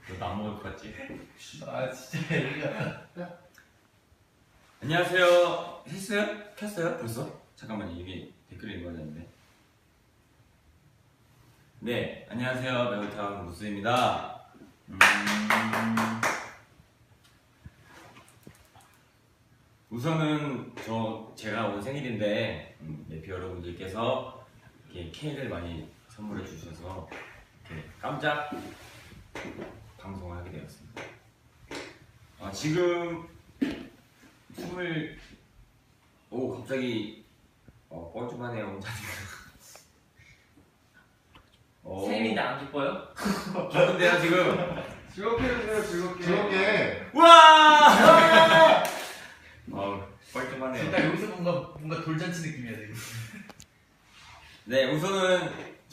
너 안 먹을 것 같지? 아 진짜 이거. 안녕하세요. 했어요? 켰어요? 벌써? 잠깐만요. 이게 댓글 읽어졌는데. 네, 안녕하세요. 매운탕 무스입니다. 우선은 제가 오늘 생일인데 네피 여러분들께서 이렇게 케이크를 많이 선물해 주셔서 이렇게 깜짝 방송을 하게 되었습니다. 지금 갑자기 뻘쭘하네요. 혼자니까. 생일인데 안 기뻐요? 기쁜데요 지금? 즐겁게 해주세요. 즐겁게. 즐겁게. 와! 뻘쭘하네요. 딱 여기서 뭔가 돌잔치 느낌이야 되게. 네, 우선은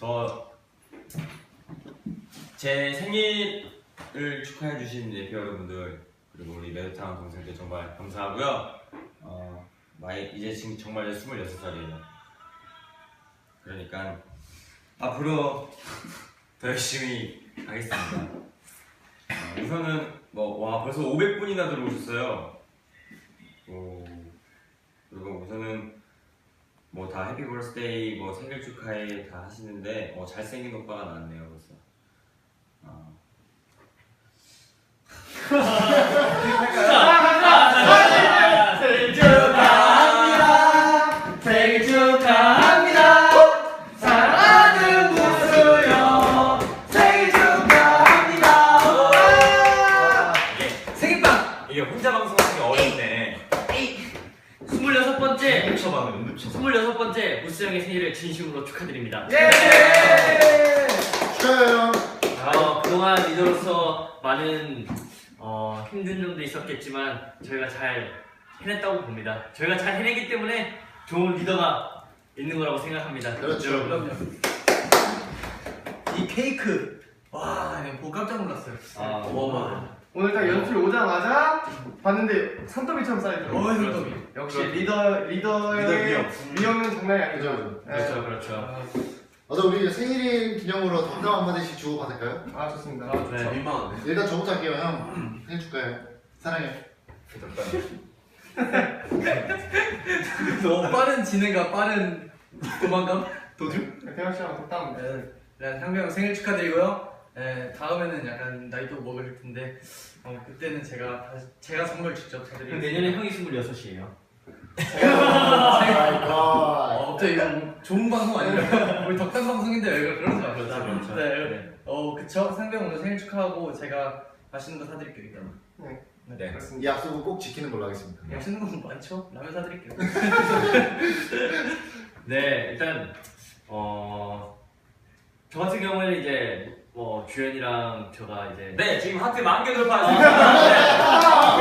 제 생일을 축하해 주신 네피 여러분들 그리고 우리 매운탕 동생들 정말 감사하고요. 이제 지금 정말 26살이에요. 그러니까 앞으로 더 열심히 하겠습니다. 우선은 벌써 500분이나 들어오셨어요. 그리고 우선은 다 해피 버스데이 생일 축하해 다 하시는데 잘생긴 오빠가 나왔네요 벌써. 생일 축하합니다. 생일 축하합니다. 사랑하는 무수요. 생일 축하합니다. 생일빵. 이게 혼자 방송하는 게 어렵네. 26번째 무스 형의 생일을 진심으로 축하드립니다. 예. 축하해요. 그동안 리더로서 많은 힘든 점도 있었겠지만 저희가 잘 해냈다고 봅니다. 저희가 잘 해내기 때문에 좋은 리더가 있는 거라고 생각합니다. 그렇죠. 그럼요. 이 케이크 와, 내가 보고 깜짝 놀랐어요. 오늘 딱 연출 오자마자 봤는데 산더미처럼 쌓여있더라고요. 산더미. 역시 그렇죠. 리더의 위험은 장난이 아니죠. 그렇죠. 우리 생일인 기념으로 덤담 한마디씩 주고 받을까요? 아 좋습니다. 네. 민망한데. 일단 저부터 할게요. 형 생일 축하해. 사랑해. 너무 빠른 진행과 빠른 도망감? 도주? 태영 씨랑 덕담. 네, 상배 형 생일 축하드리고요. 네, 다음에는 약간 나이도 먹을 텐데 그때는 제가 선물 직접 사드리고 내년에 형이 26이에요. 갑자기 이거 좋은 방송 아니에요? 우리 덕담 방송인데 왜 그러는 거 같아요? 그렇죠. 네. 그쵸? 상배 형 오늘 생일 축하하고 제가 맛있는 거 사드릴게요 일단. 네. 이 약속은 꼭 지키는 걸로 하겠습니다. 맛있는 거 많죠? 라면 사드릴게요. 네, 일단 저 같은 경우에는 이제 주연이랑 제가 이제 네, 지금 하트 10,000개 돌파했습니다.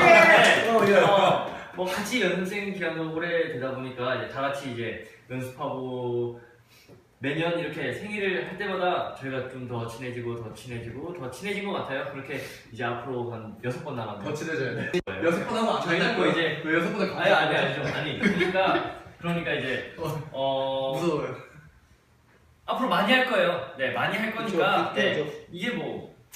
같이 연습생 기간도 오래 되다 보니까 이제 다 같이 이제 연습하고 매년 이렇게 생일을 할 때마다 저희가 좀 더 친해지고 더 친해진 것 같아요. 그렇게 이제 앞으로 한 6번 남았네요. 더 친해져야 돼. 6번 하면 안 저희는 된다고요? 또 이제 왜 6번을 아니 그러니까 이제 무서워요. 앞으로 많이 할 거예요. 네, 많이 할 거니까 그쵸, 이게